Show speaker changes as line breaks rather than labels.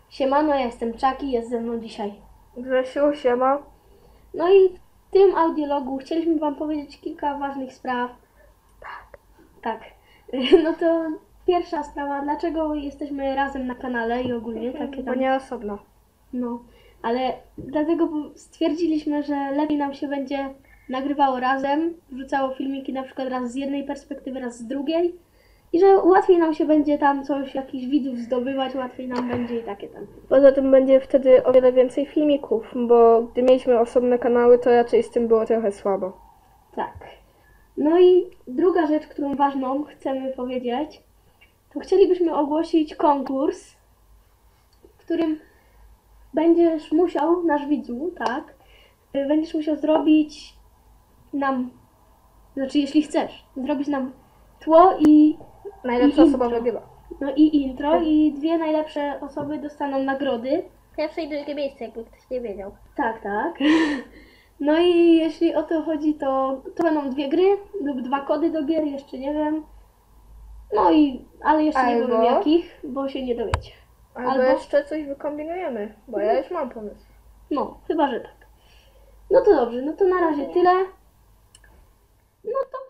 Siemano, ja jestem Czaki, jest ze mną dzisiaj.
Grzesiu, siema.
No i w tym audiologu chcieliśmy Wam powiedzieć kilka ważnych spraw. Tak. No to pierwsza sprawa, dlaczego jesteśmy razem na kanale i ogólnie takie
Bo
tam.
nie osobno.
No, ale dlatego bo stwierdziliśmy, że lepiej nam się będzie nagrywało razem, wrzucało filmiki na przykład raz z jednej perspektywy, raz z drugiej. I że łatwiej nam się będzie tam coś, jakichś widzów zdobywać, łatwiej nam będzie i takie tam.
Poza tym będzie wtedy o wiele więcej filmików, bo gdy mieliśmy osobne kanały, to raczej z tym było trochę słabo.
Tak. No i druga rzecz, którą ważną chcemy powiedzieć, to chcielibyśmy ogłosić konkurs, w którym będziesz musiał, nasz widzu, tak, będziesz musiał zrobić nam, znaczy jeśli chcesz, zrobić nam tło i
Najlepsza osoba
intro.
wygrywa.
No i intro i dwie najlepsze osoby dostaną nagrody.
Pierwsze i drugie miejsce, jakby ktoś nie wiedział.
Tak, tak. No i jeśli o to chodzi, to będą dwie gry lub dwa kody do gier, jeszcze nie wiem. No i, ale jeszcze nie
Albo-
powiem jakich, bo się nie dowiecie.
Albo jeszcze coś wykombinujemy, bo ja już mam pomysł.
No, chyba, że tak. No to dobrze, no to na razie tyle. No to